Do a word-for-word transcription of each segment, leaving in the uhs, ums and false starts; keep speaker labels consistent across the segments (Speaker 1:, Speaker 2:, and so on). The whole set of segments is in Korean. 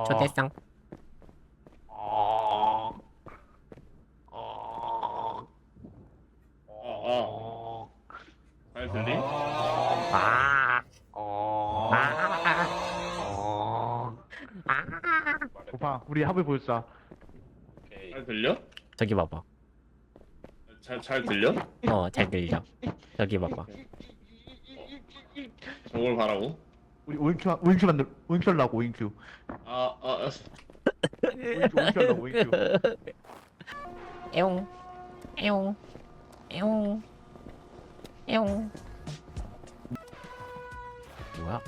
Speaker 1: 초대상.
Speaker 2: 어. 어.
Speaker 3: 어. 잘 들리?
Speaker 1: 아.
Speaker 2: 어.
Speaker 1: 아.
Speaker 2: 어.
Speaker 4: 오빠 우리 합을 보여주자.
Speaker 2: 오케이.
Speaker 3: 잘 들려?
Speaker 1: 저기 봐봐.
Speaker 3: 잘, 잘 들려?
Speaker 1: 어, 잘 들려. 저기 봐봐.
Speaker 3: 저걸 바라고?
Speaker 4: 우리 오인큐 오인큐 만들 오인큐 하려고 오인큐.
Speaker 3: 아, 아,
Speaker 4: 오인큐 오인큐 하려고 오인큐.
Speaker 1: 에옹. 에옹. 에옹. 에옹. 뭐야?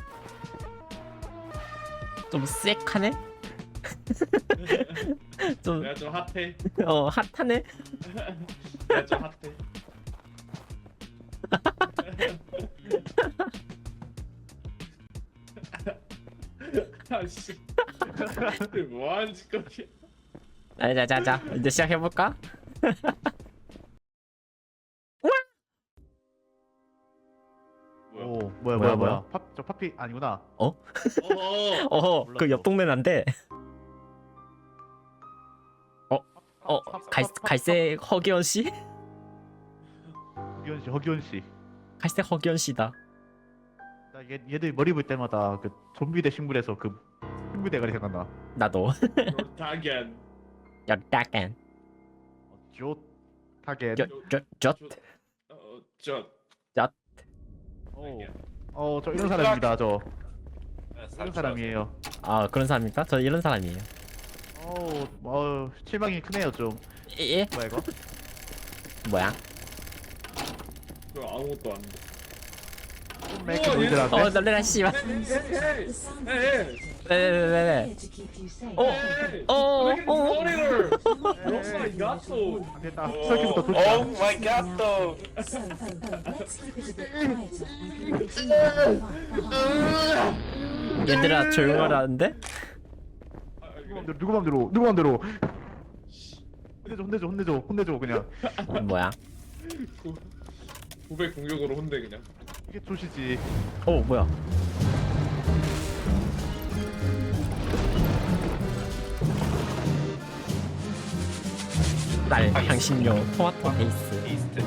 Speaker 1: 좀 쎄하네? 좀,
Speaker 3: 내가 좀 핫해.
Speaker 1: 어, 핫하네?
Speaker 3: 내가 좀 핫해. 아씨. 뭐하는 짓거리야?
Speaker 1: 자, 자, 자, 자. 이제 시작해볼까?
Speaker 3: 뭐야?
Speaker 4: 오 뭐야
Speaker 1: 뭐야,
Speaker 4: 뭐야
Speaker 1: 뭐야?
Speaker 4: 뭐야. 팝저 파피 아니구나.
Speaker 3: 어허.
Speaker 1: 어허, 그
Speaker 4: 몰랐어.
Speaker 1: 옆 동네는 안 돼. 어, 갈, 갈색 허기원 씨?
Speaker 4: 허기원 씨 허기원 씨.
Speaker 1: 갈색 허기원 씨다.
Speaker 4: 나 얘, 얘들 머리 볼 때마다 그 좀비 대 식물에서 그 식물 대가리 생각나.
Speaker 1: 나도.
Speaker 3: 타겐.
Speaker 1: 약간.
Speaker 4: 조 타겟.
Speaker 1: 저, 저, 저.
Speaker 3: 어, 저.
Speaker 4: 어저 이런 사람입니다. 저
Speaker 2: 네,
Speaker 4: 이런 사람이에요.
Speaker 1: 아, 그런 사람입니까? 저 이런 사람이에요.
Speaker 4: 어우 어 실망이 크네요 좀.
Speaker 1: 예? 예?
Speaker 4: 뭐야 이거?
Speaker 1: 뭐야?
Speaker 3: 그 아무것도 안 돼.
Speaker 4: 왜 이렇게 보이더라고?
Speaker 1: 어, 놀래라, 씨발.
Speaker 3: 헤이, 헤이, 헤이.
Speaker 1: 왜, 왜, 왜, 왜, 왜? 어,
Speaker 3: 헤이.
Speaker 1: 어, 어,
Speaker 3: Look at
Speaker 1: 어.
Speaker 3: this monitor. Oh my god, so.
Speaker 4: 안 됐다. 설계부터
Speaker 2: 오
Speaker 4: 도착.
Speaker 2: 마이 갓 또.
Speaker 1: 얘들아, 조용하라는데?
Speaker 3: 아,
Speaker 4: 누구 맘대로 누구 맘대로 누구 맘대로. 혼내줘 혼내줘 혼내줘 혼내줘 그냥.
Speaker 1: 뭐야?
Speaker 3: 고백 공격으로 혼내 그냥.
Speaker 4: 이게 조시지.
Speaker 1: 어, 뭐야? 날 향신료 토마토 베이스.
Speaker 2: 이스트.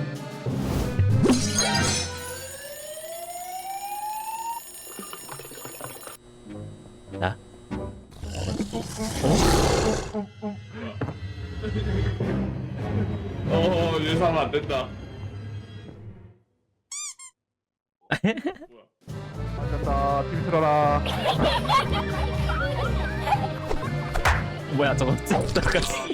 Speaker 1: 나?
Speaker 3: 어, 예상 안 된다. 뭐야?
Speaker 4: 맞았다. 팀 틀어라.
Speaker 1: 뭐야, 저거 똑같이.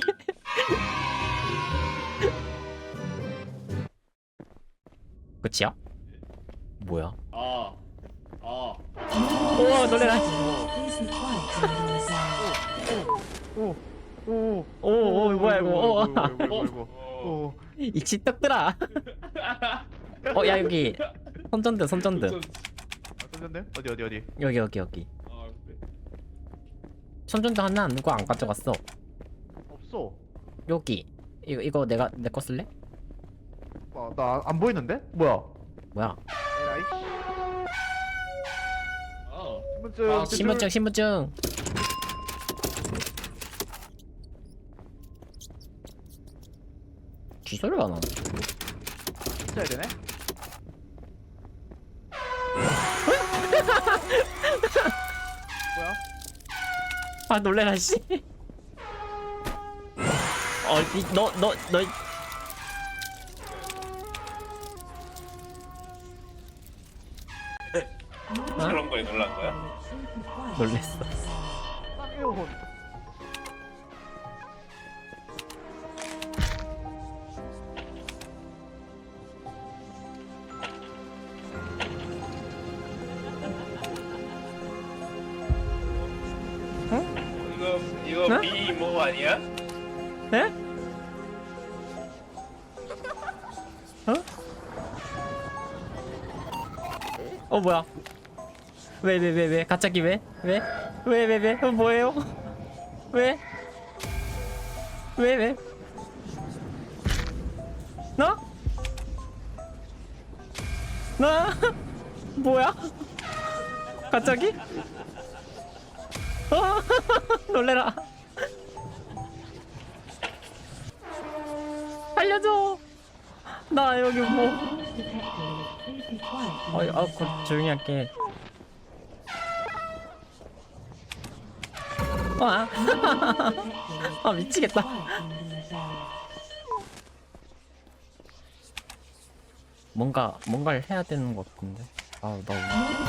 Speaker 1: 끝이야? 뭐야?
Speaker 3: 아, 아.
Speaker 1: 우와, 놀래라.
Speaker 4: 오. 오.
Speaker 1: 오, 오, 뭐야, 이거. 어.
Speaker 4: 이거 이거 이거. 오.
Speaker 1: 익시 떡들아. 어, 야, 여기. 손전등, 손전등.
Speaker 4: 아, 던졌네? 어디 어디 어디?
Speaker 1: 여기, 여기, 여기.
Speaker 3: 아, 그래.
Speaker 1: 손전등 하나 누가 안 가져갔어?
Speaker 4: 없어.
Speaker 1: 여기. 이거, 이거 내가, 내 거 쓸래?
Speaker 4: 아, 나 안 보이는데? 뭐야?
Speaker 1: 뭐야?
Speaker 4: 에라이.
Speaker 3: 아,
Speaker 4: 신분증.
Speaker 3: 아,
Speaker 1: 신분증, 신분증. 귀소리가 안 나네.
Speaker 4: 써야 되네. 뭐야?
Speaker 1: 아, 놀래라, 씨. 어, 이, 너, 너, 너.
Speaker 2: 그런 거에 놀란 거야?
Speaker 1: 놀랬어.
Speaker 4: 쌍이어혼.
Speaker 2: 이거 이거
Speaker 1: 어?
Speaker 2: 비모 아니야?
Speaker 1: 에? 어? 어, 뭐야? 왜, 왜, 왜, 왜? 갑자기 왜? 왜? 왜, 왜, 왜? 어, 뭐예요? 왜? 왜, 왜? 나? 나? 뭐야? 갑자기? 놀래라. 알려줘. 나 여기 뭐. 어, 아, 그 조용히 할게. 아, 아 미치겠다. 뭔가 뭔가를 해야 되는 것 같은데. 아, 나.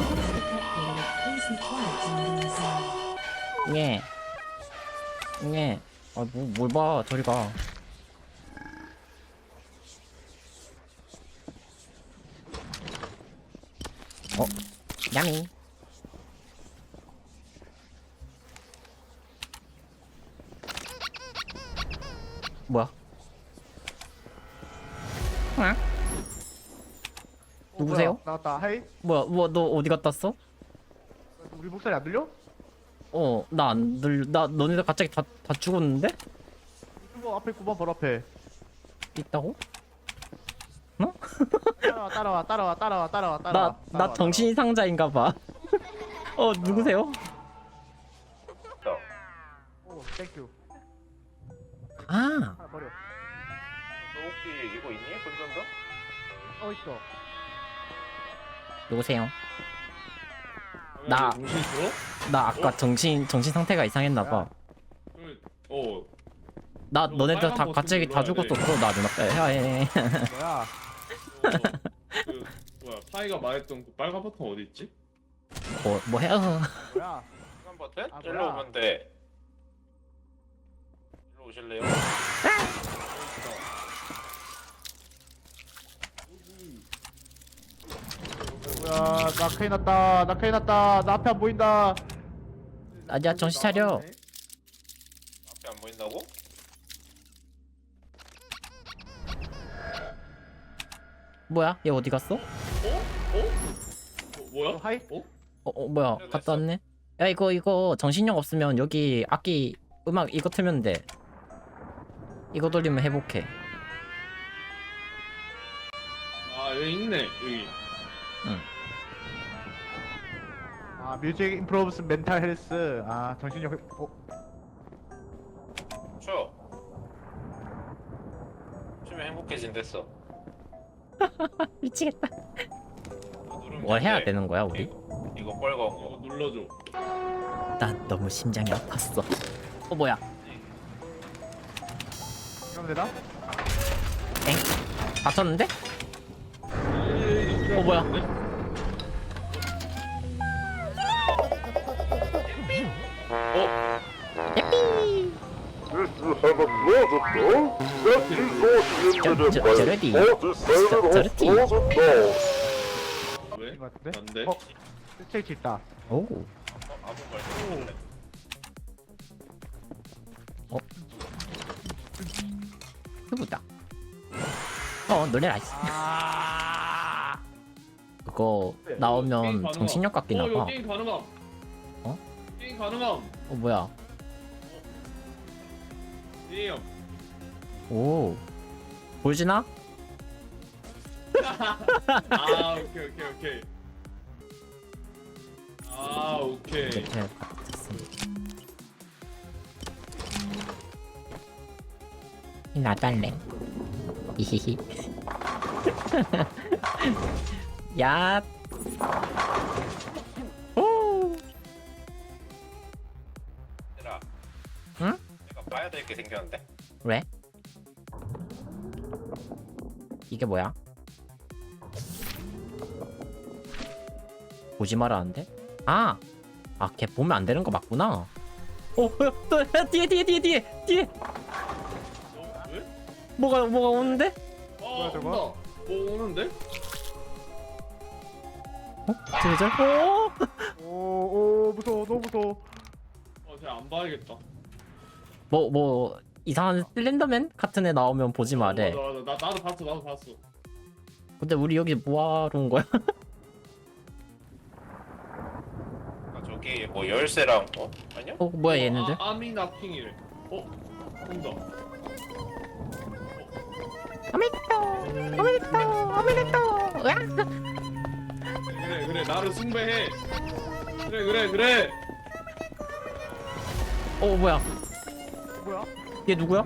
Speaker 1: 예. 예. 아, 뭐, 뭘 봐, 저리 가. 어, 야미. 뭐야? 응? 누구세요?
Speaker 4: 어, 뭐야, 나왔다. 하이.
Speaker 1: 뭐야, 뭐, 너 어디 갔다 왔어?
Speaker 4: 우리 목소리 안 들려?
Speaker 1: 어, 나 안 들, 나, 너네들 갑자기 다, 다 죽었는데?
Speaker 4: 이거 앞에 구번 바로 앞에.
Speaker 1: 있다고?
Speaker 4: 따라와 따라와 따라와 따라와 따라와
Speaker 1: 나,
Speaker 4: 따라와.
Speaker 1: 나 정신이 상자인가 봐. 어, 누구세요?
Speaker 2: 또.
Speaker 4: 오, 땡큐.
Speaker 1: 아,
Speaker 4: 하나 버려.
Speaker 2: 너 혹시 이거 있니? 손전등?
Speaker 4: 어 있어.
Speaker 1: 누구세요? 나-
Speaker 3: 정신 들어?
Speaker 1: 나 아까 정신, 정신 상태가 이상했나 봐.
Speaker 3: 그, 어.
Speaker 1: 나,
Speaker 3: 이거
Speaker 1: 너네들 다
Speaker 3: 빨간
Speaker 1: 갑자기 다
Speaker 3: 버튼 눌러야
Speaker 1: 죽었었어. 나 누나. 야, 해.
Speaker 4: 뭐야?
Speaker 3: 어, 그 뭐야 파이가 말했던 그 빨간 버튼 어디 있지?
Speaker 1: 뭐, 뭐 해요?
Speaker 4: 뭐야?
Speaker 2: 시간 버튼?
Speaker 4: 아,
Speaker 2: 일로
Speaker 4: 뭐야?
Speaker 2: 오면 돼. 일로 오실래요?
Speaker 4: 뭐야? 나 큰일 났다. 나 큰일 났다. 나 앞에 안 보인다.
Speaker 1: 아니야, 정신 차려.
Speaker 2: 앞에 안 보인다고?
Speaker 1: 뭐야? 얘 어디 갔어?
Speaker 3: 어? 어? 어 뭐야?
Speaker 4: 어, 하이.
Speaker 3: 어?
Speaker 1: 어, 어 뭐야?
Speaker 2: 그래,
Speaker 1: 갔다
Speaker 2: 됐어.
Speaker 1: 왔네? 야, 이거, 이거 정신력 없으면 여기 악기, 음악 이거 틀면 돼. 이거 돌리면 회복해.
Speaker 3: 아 여기 있네 여기.
Speaker 4: 아 뮤직 임프로브스 멘탈 헬스. 아 정신력. 회- 어.
Speaker 2: 쉬어. 쉬면 행복해진댔어.
Speaker 1: 미치겠다.
Speaker 2: 이거 누르면
Speaker 1: 뭘 해야
Speaker 2: 돼.
Speaker 1: 되는 거야, 우리?
Speaker 2: 이거, 이거 빨간
Speaker 3: 이거
Speaker 2: 거.
Speaker 3: 눌러줘.
Speaker 1: 난 너무 심장이 아팠어. 어, 뭐야?
Speaker 4: 이러면 되나?
Speaker 1: 엥? 다쳤는데?
Speaker 3: 어
Speaker 1: 뭐야?
Speaker 3: 어?
Speaker 5: If you have a closet door, that is not limited
Speaker 1: 저-
Speaker 5: by
Speaker 1: 저러디.
Speaker 5: multi-sided
Speaker 1: 저-
Speaker 5: or
Speaker 1: 저러디.
Speaker 5: closet doors.
Speaker 3: 왜?
Speaker 4: 이거 같은데?
Speaker 3: 난데?
Speaker 4: 어. 스테이지 있다.
Speaker 1: 오.
Speaker 2: 어? 아무 말도 안 했네.
Speaker 1: 누구다? 어, 노래라. 이씨.
Speaker 4: 아.
Speaker 1: 그거
Speaker 3: 게임
Speaker 1: 나오면
Speaker 3: 가능함.
Speaker 1: 정신력 깎이나
Speaker 3: 어 이거
Speaker 1: 봐.
Speaker 3: 게임 가능함.
Speaker 1: 어?
Speaker 3: 게임 가능함.
Speaker 1: 어, 뭐야?
Speaker 3: 게임.
Speaker 1: 오. 보여주나?
Speaker 3: 아 오케이 오케이 오케이. 아 오케이.
Speaker 1: 이렇게 됐습니다. 나도 할래. 히히히. 야. 오.
Speaker 2: 얘들아.
Speaker 1: 응?
Speaker 2: 내가 봐야 될 게 생겼는데?
Speaker 1: 왜? 이게 뭐야? 보지 말라는데? 아! 아, 걔 보면 안 되는 거 맞구나. 어, 야, 또, 야, 뒤에, 뒤에, 뒤에, 뒤에, 뒤에!
Speaker 3: 어? 왜?
Speaker 1: 뭐가, 뭐가 오는데?
Speaker 3: 아
Speaker 4: 뭐야, 저거?
Speaker 3: 온다. 뭐 오는데?
Speaker 1: 어? 저저 어?
Speaker 4: 오오 무서워 너무 무서워.
Speaker 3: 어 제가 안 봐야겠다.
Speaker 1: 뭐, 뭐, 이상한 슬렌더맨 같은 애 나오면 보지 말래.
Speaker 3: 맞아 맞아 나 나도 봤어 나도 봤어.
Speaker 1: 근데 우리 여기 뭐하러 온 거야?
Speaker 2: 아, 저기 뭐 열쇠랑 어? 아니야?
Speaker 1: 어, 뭐야, 얘네들?
Speaker 3: 아, 아미 나킹이래. 어? 온다.
Speaker 1: 아메리카노! 아메리카노! 아메리카노! 으악!
Speaker 3: 그래 그래 나를 숭배해. 그래 그래 그래.
Speaker 1: 어 뭐야?
Speaker 4: 뭐야?
Speaker 1: 얘 누구야?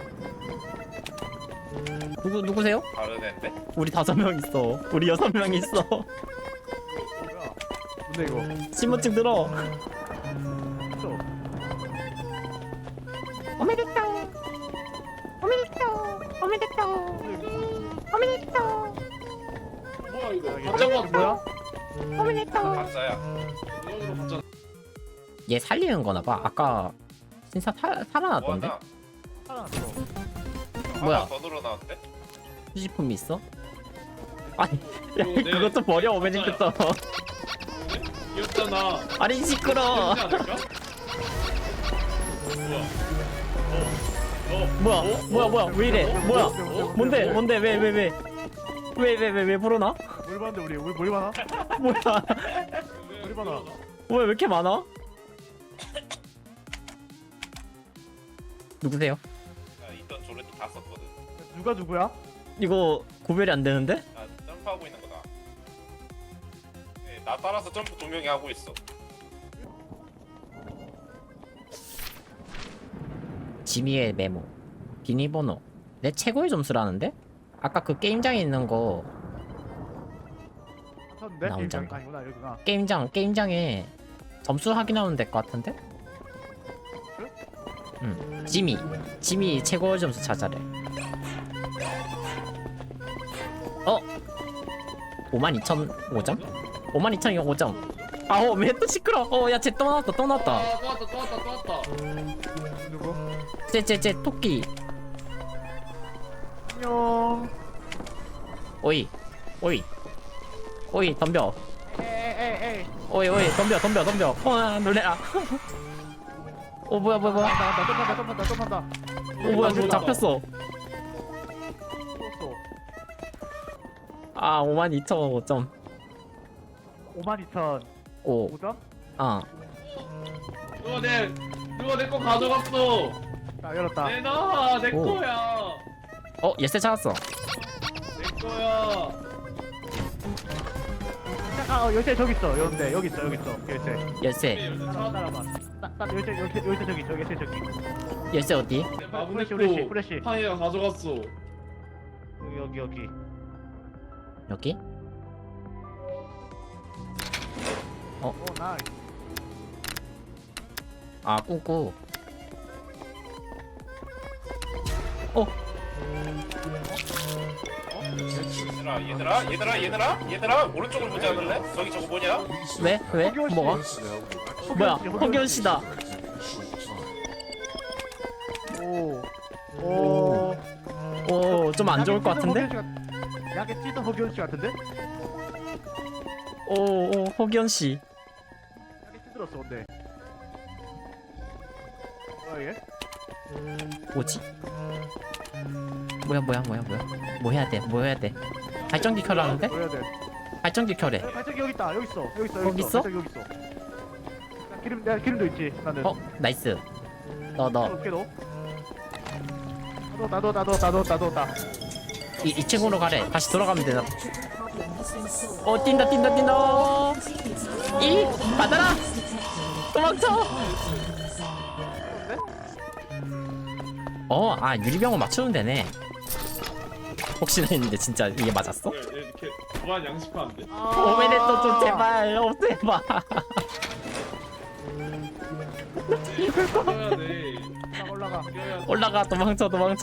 Speaker 1: 누구 누구세요?
Speaker 2: 다른 앤데?
Speaker 1: 우리 다섯 명 있어. 우리 여섯 명 있어.
Speaker 4: 뭐야? 뭔데 이거?
Speaker 1: 신분증 들어.
Speaker 4: 또.
Speaker 1: 오메데토. 오메데토. 오메데토. 오메데토.
Speaker 3: 뭐야 이거?
Speaker 4: 아,
Speaker 3: 가짜 거
Speaker 4: 뭐야?
Speaker 1: 오메데토.
Speaker 2: 가짜야.
Speaker 3: 이거로 가짜.
Speaker 1: 얘 살리는 거나 봐. 아까 진짜 살 살아났던데?
Speaker 2: 뭐하나?
Speaker 4: 살아났어.
Speaker 1: 뭐야?
Speaker 2: 하나 더 늘어나는데?
Speaker 1: 휴지품이 있어? 아니, 야,
Speaker 3: 이거 내-
Speaker 1: 그것도 버려 오메데토.
Speaker 3: 귀엽잖아.
Speaker 1: 아니 시끄러.
Speaker 3: 되지 않을까? 뭐야? 어? 어?
Speaker 1: 뭐야? 뭐야 뭐야 왜 이래? 뭐야?
Speaker 4: 어?
Speaker 1: 뭔데 뭔데 왜 왜 왜? 왜 왜 왜 왜 불어나?
Speaker 4: 뭘 봤는데 우리 우리 뭘 봐나?
Speaker 1: 뭐야?
Speaker 4: 우리 봐나.
Speaker 1: 뭐야 왜 이렇게 많아? 누구세요?
Speaker 2: 나 있던 조레도 다 썼거든.
Speaker 4: 누가 누구야?
Speaker 1: 이거 구별이 안 되는데?
Speaker 2: 나 점프하고 있는 거다. 네, 나 따라서 점프 두 명이 하고 있어.
Speaker 1: 지미의 메모 비밀번호 내 최고의 점수라는데? 아까 그 게임장에 있는 거
Speaker 4: 쳤는데?
Speaker 1: 나 혼자
Speaker 4: 게임장 아니구나 여기구나.
Speaker 1: 게임장 게임장에 점수 확인하면 될 것 같은데? 응 지미 지미 최고의 점수 찾아래. 어? 오만 이천오 점? 오만 이천오 점. 아오 왜 또 시끄러? 어야 쟤 또 나왔다 또 나왔다.
Speaker 3: 아, 또 왔다 또 왔다 또 왔다.
Speaker 4: 누구?
Speaker 1: 쟤쟤쟤 토끼.
Speaker 4: 안녕.
Speaker 1: 오이 오이 오이 덤벼.
Speaker 4: 에에에에.
Speaker 1: 오이 오이 덤벼 덤벼 덤벼. 어 놀래라. 어 뭐야 뭐야 뭐야.
Speaker 4: 나나 tom한다 tom한다 tom한다.
Speaker 1: 어 뭐야 뭐 잡혔어.
Speaker 4: 떴어.
Speaker 1: 아 오만 이천오 점.
Speaker 4: 오만 이천
Speaker 1: 오.
Speaker 4: 오 점?
Speaker 1: 어.
Speaker 3: 누가 내 누가 내 거 가져갔어.
Speaker 4: 자 열었다.
Speaker 3: 내놔 내
Speaker 1: 오.
Speaker 3: 거야.
Speaker 1: 어 예스 찾았어.
Speaker 3: 내 거야.
Speaker 4: 아 어, 열쇠 저기 있어. 여런데 여기 있어 여기 있어 열쇠.
Speaker 1: 예스
Speaker 4: 따라와 따라와. 나나 열쇠 열쇠 열쇠 저기 있어 열쇠 저기.
Speaker 1: 예스 어디?
Speaker 3: 내 마분
Speaker 4: 후레쉬
Speaker 3: 냈고
Speaker 4: 후레쉬 후레쉬.
Speaker 3: 파이가 가져갔어.
Speaker 4: 여기 여기 여기.
Speaker 1: 여기?
Speaker 4: 오 나이스.
Speaker 1: 아 꾸꾸. 어
Speaker 2: 얘들아 얘들아 얘들아 얘들아 얘들아 오른쪽을 보지 않을래? 저기 저거 뭐냐?
Speaker 1: 왜? 왜?
Speaker 4: 허기원 씨.
Speaker 1: 뭐가? 뭐야? 허기현 씨다.
Speaker 4: 오. 오.
Speaker 1: 오 좀 안 좋을 것 같은데?
Speaker 4: 약에 찌든 허기원 씨 같은데?
Speaker 1: 오오 허기현 씨.
Speaker 4: 약에 찌들었어 근데. 뭐야 얘?
Speaker 1: 뭐지? 뭐야 뭐야 뭐야 뭐야? 뭐 해야 돼? 뭐 해야 돼? 발전기 켜라는데?
Speaker 4: 뭐 해야 돼?
Speaker 1: 발전기 켜래.
Speaker 4: 야, 발전기 여기 있다. 여기 있어. 여기 있어.
Speaker 1: 거기 있어?
Speaker 4: 발전기 여기 있어. 야, 기름 내가 기름도 있지. 나는.
Speaker 1: 어 나이스. 너 너
Speaker 4: 어떻게 넣어? 나도 나도 나도 나도 나도 나.
Speaker 1: 이, 이 층으로 가래. 다시 돌아가면 되나? 어 뛴다 뛴다 뛴다. 이 받아라. 도망쳐. 어 아 유리병을 맞추면 되네. 혹시나 했는데 진짜 이게 맞았어?
Speaker 3: 왜, 왜 이렇게 무한 양식하는데?
Speaker 1: 오메네 또좀 제발 없애봐.
Speaker 3: 이겨야 돼.
Speaker 4: 딱 올라가.
Speaker 3: 이겨야 돼.
Speaker 1: 올라가 도망쳐 도망쳐.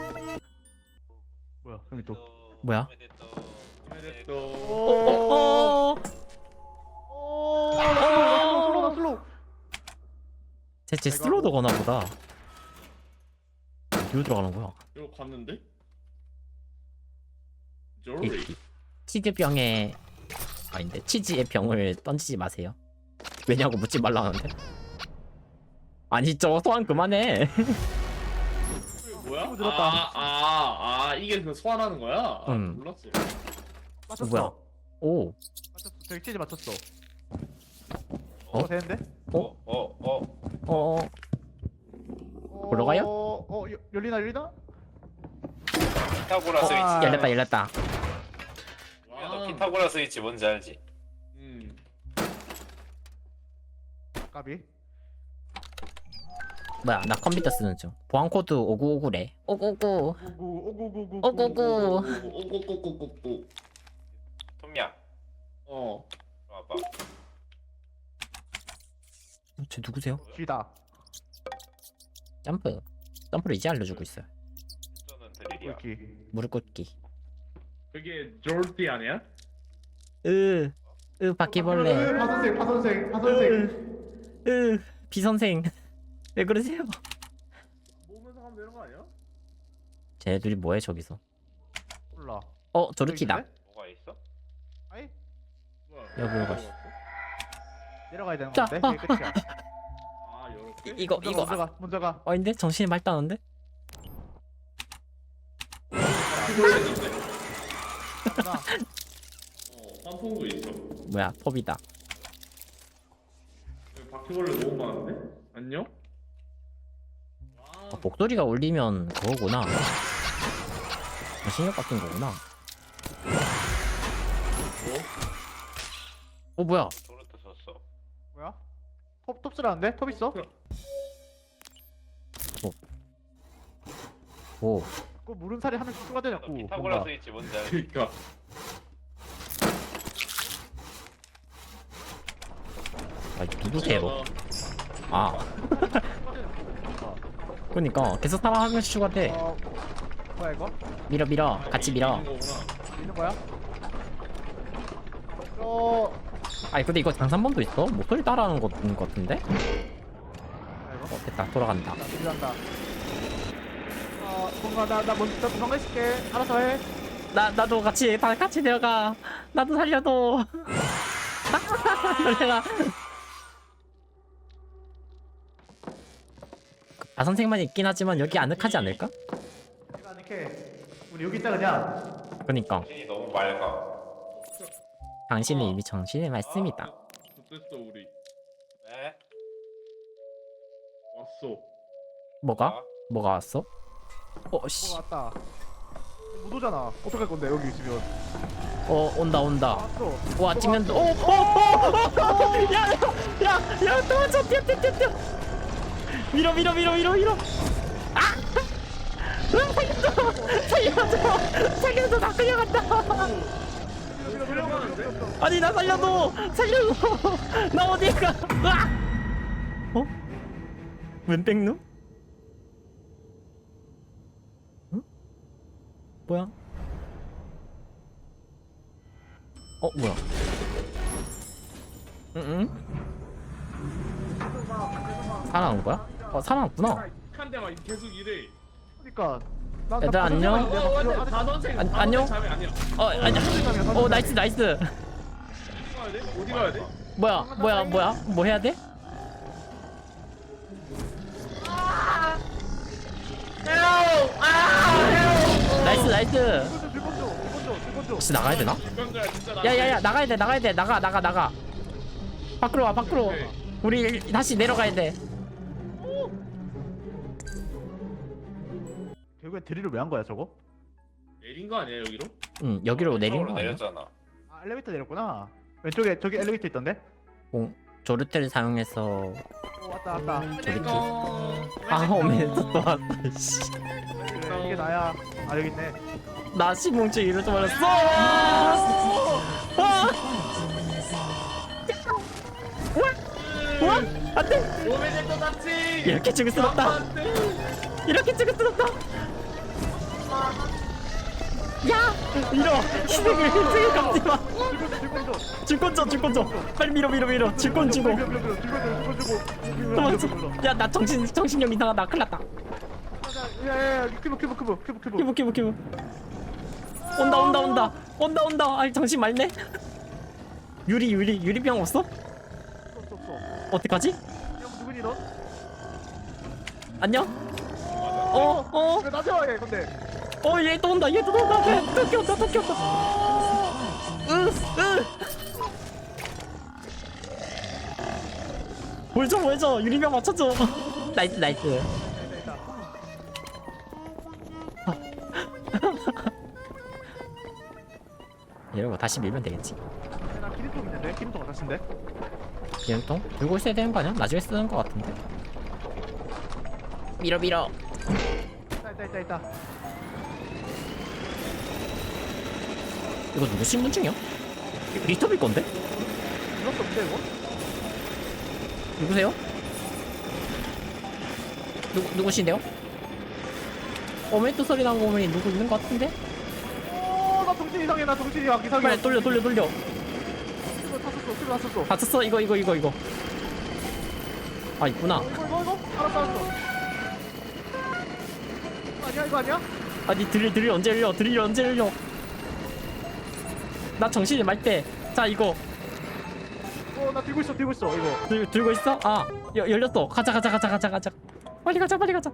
Speaker 4: 뭐야? 형이 또.
Speaker 1: 뭐야?
Speaker 3: 이겨야 또.
Speaker 1: 어어어.
Speaker 4: 오. 슬로우 슬로우.
Speaker 1: 쟤쟤 슬로도 거나 보다. 어디로 들어가는 거야?
Speaker 3: 이거 갔는데? 조리.
Speaker 1: 치즈병에 아닌데 치즈의 병을 던지지 마세요. 왜냐고 묻지 말라는데. 아니 저 소환 그만해.
Speaker 3: 뭐야?
Speaker 4: 친구 들었다.
Speaker 3: 아, 아, 아, 이게 그 소환하는 거야? 아,
Speaker 1: 응.
Speaker 3: 몰랐어.
Speaker 4: 맞췄어.
Speaker 1: 뭐야? 오.
Speaker 4: 맞췄어. 저기 치즈 맞췄어.
Speaker 1: 어?
Speaker 4: 어 되는데?
Speaker 2: 어? 어? 어?
Speaker 1: 어. 올라가요?
Speaker 4: 어, 어 여- 열리나 열리나?
Speaker 2: 피타고라 스위치.
Speaker 4: 아.
Speaker 1: 열렸다 열렸다.
Speaker 2: 야, 너 피타고라 스위치 뭔지 알지?
Speaker 3: 음.
Speaker 4: 까비.
Speaker 1: 뭐야 나 컴퓨터 쓰는 중. 보안 코드 오구오구래. 오구오구.
Speaker 4: 오구오구오구.
Speaker 1: 오구오구.
Speaker 3: 오고고고고고.
Speaker 2: 톰야
Speaker 3: 어.
Speaker 2: 와봐.
Speaker 1: 쟤 누구세요?
Speaker 4: 쥐다.
Speaker 1: 점프. 점프를 이제 알려주고 있어요.
Speaker 2: 저는 드릴이야.
Speaker 4: 꿀기.
Speaker 1: 무릎 꿇기.
Speaker 3: 그게 졸티 아니야?
Speaker 1: 으. 으 바퀴벌레.
Speaker 4: 파선생 파선생 파선생.
Speaker 1: 으. 비선생. 왜 그러세요?
Speaker 3: 모으면서 하면 되는 거 아니야?
Speaker 1: 쟤들이 뭐해 저기서?
Speaker 4: 몰라.
Speaker 1: 어 조르키다.
Speaker 2: 뭐가 있어?
Speaker 4: 아이
Speaker 3: 뭐야?
Speaker 1: 여기로 갔어.
Speaker 4: 내려가야 되는
Speaker 1: 자,
Speaker 4: 건데.
Speaker 1: 어,
Speaker 4: 이게 끝이야.
Speaker 3: 아 요렇게?
Speaker 1: 이, 이거
Speaker 4: 먼저
Speaker 1: 이거.
Speaker 4: 가, 먼저 가. 먼저 가.
Speaker 1: 어 근데 정신이 맑다는데?
Speaker 4: 나.
Speaker 3: 어 환풍구 있어.
Speaker 1: 뭐야 펍이다.
Speaker 3: 여기 바퀴벌레 너무 많은데? 안녕?
Speaker 1: 어, 목소리가 울리면 그거구나. 신경 바뀐 거구나. 어 뭐야?
Speaker 2: 도르트 썼어.
Speaker 4: 뭐야? 톱 톱스라는데? 톱 있어?
Speaker 1: 오.
Speaker 4: 그 물은 살이 하나씩 추가되냐고.
Speaker 2: 너 피타고라스 있지 뭔지 알지?
Speaker 3: 그니까.
Speaker 1: 아 누구세요? 아. 그러니까 계속 사람 한 명씩 추가돼.
Speaker 4: 어, 뭐야 이거?
Speaker 1: 밀어 밀어. 같이 밀어.
Speaker 4: 있는 거야? 어,
Speaker 1: 아니 근데 이거 장산범도 있어? 목소리 따라하는 거 같은 거 같은데?
Speaker 4: 뭐야 이거?
Speaker 1: 어 됐다 돌아간다.
Speaker 4: 나 들어간다. 어, 뭔가 나나 먼저 나 도망가 있을게. 알아서 해.
Speaker 1: 나 나도 같이 다 같이 내려가. 나도 살려도. 놀래라. 아 선생만 있긴 하지만 여기 아늑하지 않을까?
Speaker 4: 내가 이렇게 우리 여기 있다 그냥.
Speaker 1: 그니까
Speaker 2: 정신이 너무 맑아.
Speaker 1: 당신은 이미 정신이 맑습니다.
Speaker 3: 됐어 우리.
Speaker 2: 네?
Speaker 3: 왔어.
Speaker 1: 뭐가? 뭐가 왔어? 어 씨.
Speaker 4: 뭐가 왔다. 못 오잖아. 어떡할 건데 여기 있으면.
Speaker 1: 어 온다 온다.
Speaker 4: 왔어.
Speaker 1: 와 찍면 또. 오오오야야야 도망쳐 뛰어 뛰어 뛰어 뛰어. 밀어 밀어 밀어 밀어 밀어. 아! 으, 살려줘 살려줘 살려줘 나 끌려간다. 아니 나 살려줘 살려줘 나 어디 가? 아! 어? 웬 백누? 응? 뭐야? 어 뭐야? 응응? 살아난 거야? 어 살아났구나.
Speaker 3: 한 대만 계속 이래.
Speaker 4: 그러니까. 나, 나
Speaker 1: 얘들아, 안녕?
Speaker 4: 파선생활인데, 나
Speaker 3: 어,
Speaker 4: 지금
Speaker 3: 맞아.
Speaker 4: 아직-
Speaker 3: 단원생.
Speaker 1: 안-
Speaker 3: 단원생
Speaker 1: 안녕?
Speaker 3: 잠이 아니야.
Speaker 1: 어 아니야. 어 나이스 나이스.
Speaker 3: 어디 가야 돼? 어디 가야 돼?
Speaker 1: 뭐야 뭐야 뭐야 뭐 해야 돼? 나이스 나이스.
Speaker 4: 줄건져 줄건져 줄건져 줄건져.
Speaker 1: 혹시 나가야 되나?
Speaker 3: 이건가야 진짜 나.
Speaker 1: 야야야 나가야 돼 나가야 돼 나가 나가 나가. 밖으로 와 밖으로. 우리 다시 내려가야 돼.
Speaker 4: 결국엔 드릴을 왜 한 거야 저거?
Speaker 3: 내린 거 아니야 여기로?
Speaker 1: 응 여기로 내린 거
Speaker 2: 쪽으로
Speaker 1: 아니야?
Speaker 2: 내렸잖아.
Speaker 4: 아 엘리베이터 내렸구나. 왼쪽에 저기 엘리베이터 있던데?
Speaker 1: 공 조르테를 사용해서
Speaker 4: 오 왔다 왔다.
Speaker 1: 조르키. 아 오면서 또 왔다. 씨.
Speaker 4: 그래 이게 나야. 아 여기 있네.
Speaker 1: 나 시궁증 이러지 말았어. 아! 와 안돼.
Speaker 3: 오메데토 다치.
Speaker 1: 이렇게 죽을 순 없다. 이렇게 죽을 순 없다. 야 밀어 희생을 희생을 갚지 마.
Speaker 4: 줄건져 줄건져.
Speaker 1: 줄건 줘 줄건 줘. 빨리 밀어 밀어 밀어. 줄건 주고.
Speaker 4: 줄건져 줄건져 줄건져.
Speaker 1: 도망쳐. 야나 정신 정신력 이상하다. 큰일났다.
Speaker 4: 야야야 큐브 큐브 큐브 큐브 큐브.
Speaker 1: 키부 키부 키부. 온다 온다 온다 온다 온다. 아이 정신 맑네. 유리 유리 유리병 없어?
Speaker 4: 없어 없어.
Speaker 1: 어떡하지?
Speaker 4: 형 누구니 너?
Speaker 1: 안녕? 어? 어?
Speaker 4: 왜 나한테 와 얘 근데?
Speaker 1: 어 얘 또 온다 얘 또 온다 얘 또 끼었다 또 끼었다. 으으 뭘줘 뭘줘 유리병 맞춰줘. 나이스 나이스. 이러고 다시 밀면 되겠지.
Speaker 4: 나 기름통 있는데? 기름통 어떠신데?
Speaker 1: 기름통? 들고 있어야 되는 거 아니야? 나중에 쓰는 거 같은데. 밀어 밀어.
Speaker 4: 있다 있다 있다 있다.
Speaker 1: 이거 누구 신분증이야? 리터빌 건데?
Speaker 4: 이럴 수 없는데 이거?
Speaker 1: 누구세요? 누구 누구신데요? 어메또 소리 나는 거 보니 누구 있는 거 같은데?
Speaker 4: 오나 정신 이상해 나 정신 이상 이상해.
Speaker 1: 빨리 돌려 돌려 돌려.
Speaker 4: 이거 다 썼어 이거 다 썼어.
Speaker 1: 다 쳤어 이거 이거 이거 이거. 아 있구나.
Speaker 4: 이거 이거 이거 알았어 알았어. 아니야 이거 아니야?
Speaker 1: 아니 드릴 드릴 언제 열려? 드릴 언제 열려? 나 정신이 말 때. 자 이거
Speaker 4: 어나 들고 있어 들고 있어 이거.
Speaker 1: 들, 들고 있어? 아 여, 열렸어. 가자 가자 가자 가자 가자. 빨리 가자 빨리 가자.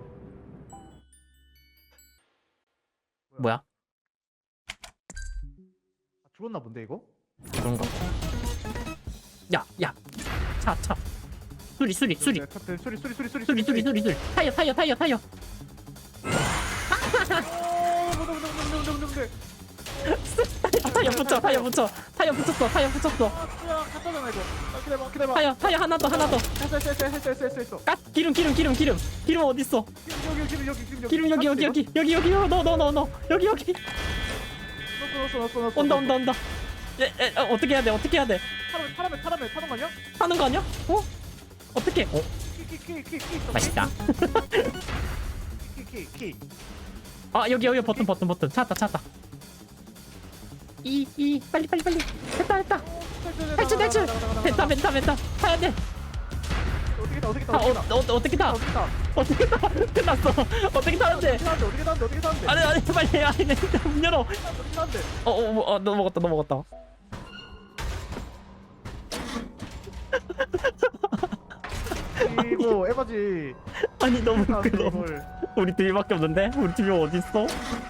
Speaker 1: 뭐야?
Speaker 4: 아, 죽었나 본데 이거?
Speaker 1: 그런가? 야 야. 차 차. 수리 수리 수리
Speaker 4: 네, 탑들 수리 수리 수리 수리
Speaker 1: 수리 수리 수리 수리. 타이어 타이어 타이어 타이어.
Speaker 4: 오 뭔데 뭔데 뭔데 뭔데 뭔데.
Speaker 1: 타이어 붙여 타이어 붙여 타이어 붙였어 타이어 붙였어.
Speaker 4: 아 갔다잖아 이거. 아 기다려 기다려.
Speaker 1: 타이어 타이어 하나 더 하나 더.
Speaker 4: 했어 했어 했어 했어 했어 했어.
Speaker 1: 까 기름 기름 기름 기름 기름 어디 있어?
Speaker 4: 여기 여기 여기 여기 여기
Speaker 1: 기름 여기 여기 여기 여기 여기 넣어 넣어 넣어 넣어 여기 여기.
Speaker 4: 넣었어 넣었어 넣었어.
Speaker 1: 온다 온다 온다. 에, 에, 어, 어떻게 해야 돼 어떻게 해야 돼?
Speaker 4: 타라메 타라메 타라메 타는 거 아니야?
Speaker 1: 하는 거 아니야? 어? 어떻게? 어
Speaker 4: 키키키키키.
Speaker 1: 맛있다.
Speaker 4: 키키키.
Speaker 1: 아 여기 여기 버튼 버튼 버튼 찾았다 찾았다. 이 이 빨리 빨리 빨리 됐다 됐다. 탈출 탈출. 벤타 벤타 벤타 타야 돼.
Speaker 4: 어떻게 타 어떻게 타
Speaker 1: 타 어,
Speaker 4: 어떻게 타
Speaker 1: 어, 어떻게 타?
Speaker 4: 어떻게 타
Speaker 1: 어떻게 타? 끝났어. 어떻게 타는데?
Speaker 4: 어떻게 타는데 어떻게 타는데 어떻게 타는데
Speaker 1: 아니 아니 빨리 아니 내문 열어.
Speaker 4: 어떻게 타는데
Speaker 1: 어어어 너 먹었다 너 먹었다.
Speaker 4: 이거 에바지.
Speaker 1: 아니 너무
Speaker 4: 타는데
Speaker 1: 웃겨.
Speaker 4: 이걸.
Speaker 1: 우리 둘밖에 없는데? 우리 팀이 어디 있어?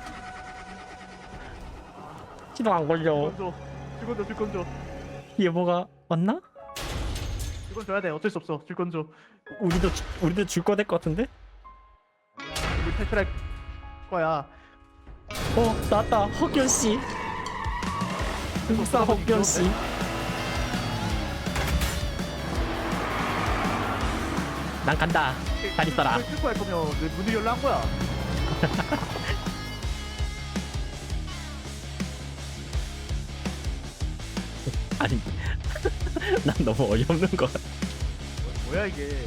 Speaker 1: 시동 안 걸려.
Speaker 4: 죽건 줘 죽건 줘 죽건 줘
Speaker 1: 뒤에 뭐가 왔나?
Speaker 4: 죽건 줘야 돼 어쩔 수 없어 죽건 줘.
Speaker 1: 우리도 주- 우리도 줄 거 될 것 같은데?
Speaker 4: 우리 탈출할 거야.
Speaker 1: 어 나왔다 헉견 씨. 중국사 헉견 씨. 난 간다. 잘 있어라.
Speaker 4: 이걸 끌고 할 거면 왜 문을 열라 한 거야?
Speaker 1: 아니 난 너무 어이없는 거 같아.
Speaker 4: 뭐야 이게?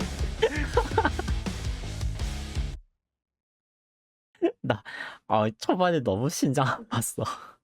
Speaker 1: 나 아, 초반에 너무 심장 아팠어.